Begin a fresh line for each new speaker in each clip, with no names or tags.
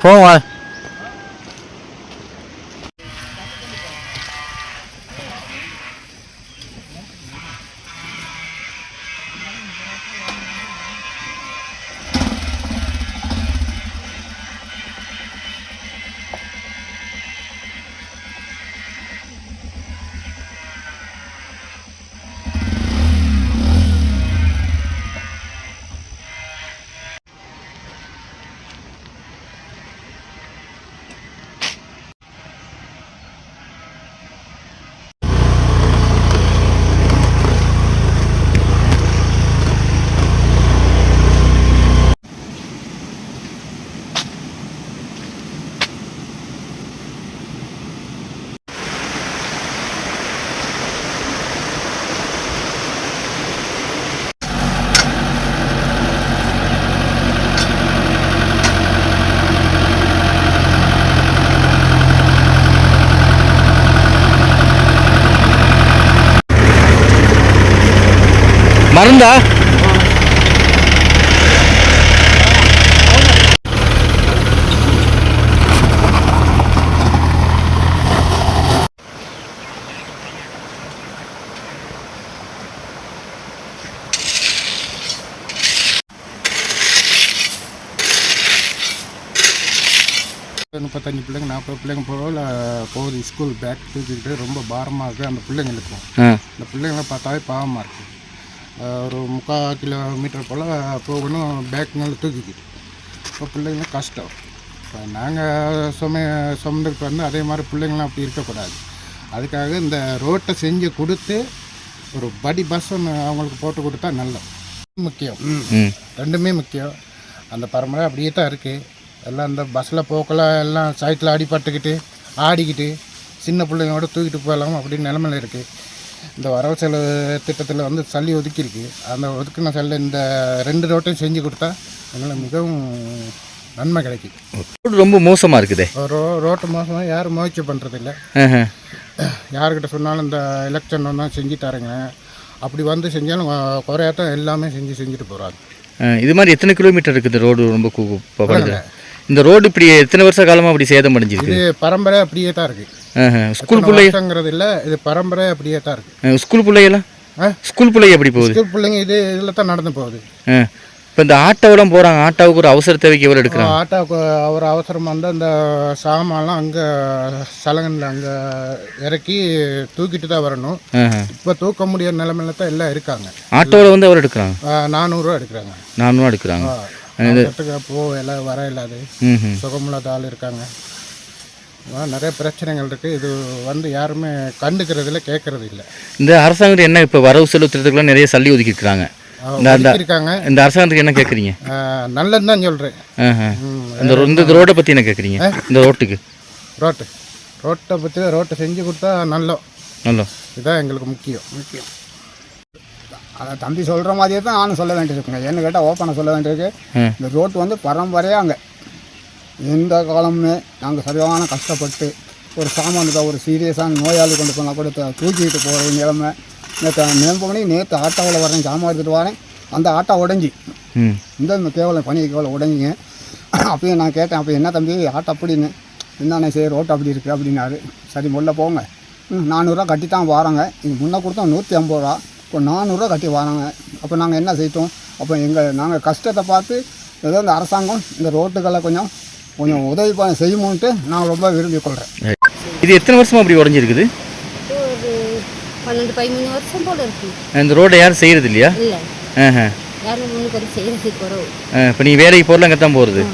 போவா. மருந்தா?
முப்பத்தஞ்சு பிள்ளைங்க 40 பிள்ளைங்க போகுது ஸ்கூல் பேக் தூக்கிக்கிட்டு ரொம்ப பாரமாக இருக்குது அந்த பிள்ளைங்களுக்கும். அந்த பிள்ளைங்களை பார்த்தாவே பாவமாக இருக்குது. ஒரு 3/4 கிலோமீட்டர் போல் போகணும் பேக்குங்களை தூக்கிக்கிட்டு. இப்போ பிள்ளைங்களும் கஷ்டம். இப்போ நாங்கள் சுமந்துக்கிட்டு வந்து அதே மாதிரி பிள்ளைங்களாம் அப்படி இருக்கக்கூடாது. அதுக்காக இந்த ரோட்டை செஞ்சு கொடுத்து ஒரு படி பஸ் ஒன்று அவங்களுக்கு போட்டு கொடுத்தா நல்லது. முக்கியம், ரெண்டுமே முக்கியம். அந்த பரம்பரை அப்படியே தான் இருக்குது. எல்லாம் இந்த பஸ்ஸில் போக்கெல்லாம் எல்லாம் சைட்டில் அடிபட்டுக்கிட்டு ஆடிக்கிட்டு சின்ன பிள்ளைங்களோட தூக்கிட்டு போகலாம் அப்படின்னு நிலமையில இருக்குது. இந்த வரவு செலவு திட்டத்தில் வந்து சல்லி ஒதுக்கியிருக்கு. அந்த ஒதுக்கின சல்ல இந்த 2 ரோட்டையும் செஞ்சு கொடுத்தா எங்களுக்கு மிகவும் நன்மை கிடைக்கும்.
ரோடு ரொம்ப மோசமாக இருக்குது.
ரோட்டு மோசமாக யாரும் முயற்சி பண்ணுறதில்ல. யாருக்கிட்ட சொன்னாலும் இந்த எலெக்ஷன் வந்தால் செஞ்சு தரேங்க அப்படி வந்து செஞ்சாலும் குறையாத்தான் எல்லாமே செஞ்சுட்டு போகிறாங்க.
இது மாதிரி எத்தனை கிலோமீட்டர் இருக்குது ரோடு? ரொம்ப இந்த ரோடு இப்படி எத்தனை வருஷ காலமாக அப்படி சேதம் அடைஞ்சிருக்கு?
இது பரம்பரை அப்படியே தான் இருக்குது.
ஸ்கூல் பிள்ளைங்கிறது
இல்லை, இது பரம்பரை அப்படியே தான் இருக்குது.
ஸ்கூல் பிள்ளைகளாம் ஸ்கூல் பிள்ளைங்க எப்படி போகுது?
ஸ்கூல் பிள்ளைங்க இதில் தான் நடந்து போகுது.
இப்போ இந்த ஆட்டோவெல்லாம் போகிறாங்க. ஆட்டோவுக்கு ஒரு அவசர தேவைக்கு எவ்வளோ எடுக்கிறாங்க?
ஆட்டோவுக்கு ஒரு அவசரமாக இருந்தால் அந்த சாமான்லாம் அங்கே சலங்கனில் அங்கே இறக்கி தூக்கிட்டு தான் வரணும். இப்போ தூக்க முடியாத நிலைமையில தான் எல்லாம் இருக்காங்க.
ஆட்டோவில் வந்து எவ்வளோ எடுக்கிறாங்க?
400 ரூபா எடுக்கிறாங்க.
400 ரூபா எடுக்கிறாங்க.
எல்லாம் வர இல்லாது சுகமில்லாத ஆள் இருக்காங்க. நிறைய பிரச்சனைகள் இருக்குது. இது வந்து யாருமே கண்டுக்கிறதில்ல, கேட்கறது இல்லை.
இந்த அரசாங்கம் என்ன இப்போ வரவு செலவு திட்டத்துக்குலாம் நிறைய சல்லி ஒதுக்கியிருக்காங்க.
இருக்காங்க.
இந்த அரசாங்கத்துக்கு என்ன கேட்குறீங்க?
நல்லது தான் சொல்கிறேன்.
இந்த ரோட்டை பற்றி என்ன கேட்குறீங்க? இந்த
ரோட்டை பற்றி ரோட்டை செஞ்சு கொடுத்தா நல்ல இதுதான் எங்களுக்கு முக்கியம்.
அதை தம்பி சொல்கிற மாதிரியே தான் நானும் சொல்ல வேண்டியிருக்குங்க. என்ன கேட்டால் ஓப்பனாக சொல்ல வேண்டியிருக்கு. இந்த ரோட்டு வந்து பரம்பரையாக அங்கே எந்த காலமுமே நாங்கள் சரியான கஷ்டப்பட்டு ஒரு சாமானுக்கு ஒரு சீரியஸான நோயாளி கொண்டு போனால் கூட தூக்கிட்டு போகிற நிலைமை. நேற்று ஆட்டோவில் வரேன், சாமான் எடுத்துகிட்டு வரேன், அந்த ஆட்டோ உடஞ்சி இந்த கேவலம் பனி கேவலம் உடஞ்சிங்க. அப்பயும் நான் கேட்டேன், அப்போ என்ன தம்பி ஆட்டோ அப்படின்னு, என்னண்ணே சரி ரோட்டு அப்படி இருக்குது அப்படின்னாரு. சரி முள்ள போங்க, 400 ரூபா கட்டி தான் வராங்க. இது முன்னே கொடுத்தோம் 150 ரூபா, இப்போ 400 ரூபா கட்டி வராங்க. அப்போ நாங்கள் என்ன செய்தோம்? அப்போ நாங்கள் கஷ்டத்தை பார்த்து ஏதோ இந்த அரசாங்கம் இந்த ரோட்டுகளை கொஞ்சம் உதவி செய்யுமோன்ட்டு நான் ரொம்ப விரும்பிக் கொள்கிறேன்.
இது எத்தனை வருஷமாக அப்படி உடஞ்சிருக்குது?
ஒரு 12-13 வருஷம் போல இருக்கு.
இந்த ரோடை யாரும் செய்கிறது இல்லையா?
இல்லை, யாரும் முன்னுக்கு வந்து செய்கிறது குறவு.
இப்போ நீ வேலைக்கு போகிறல அங்கே தான் போகிறது.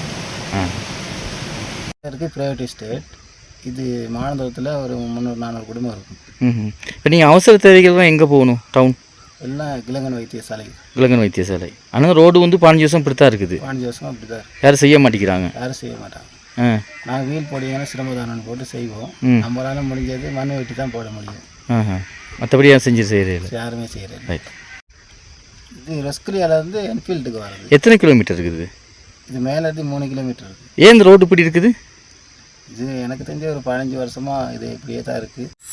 இருக்குது ப்ரைவேட் எஸ்டேட். இது மாநகரத்தில் ஒரு 300-400 குடும்பம் இருக்கும்.
இப்போ நீங்கள் அவசர தேவைகள்லாம் எங்கே போகணும்? டவுன்
எல்லாம் கிழங்கன் வைத்தியசாலை. ஆனால் ரோடு வந்து 15 வருஷம் இப்படி தான் இருக்குது. 15 வருஷம் அப்படி தான்
யாரும் செய்ய மாட்டேங்கிறாங்க.
நாங்கள் வீல் போடிங்கன்னா சிரமதானம் போட்டு செய்வோம். நம்மளால முடிஞ்சது மண் வெட்டி தான் போட முடியும்.
மற்றபடி யாரும் செய்கிறேன்
யாருமே செய்கிறேன். ரைட். இது ரெஸ்கிரியாலேருந்து என்ஃபீல்டுக்கு வருது.
எத்தனை கிலோமீட்டர் இருக்குது?
இது மேலேருந்து 3 கிலோமீட்டர் இருக்குது.
ஏன் இந்த ரோடு இப்படி இருக்குது?
இது எனக்கு தெரிஞ்ச ஒரு 15 வருஷமாக இது இப்படியே தான் இருக்குது.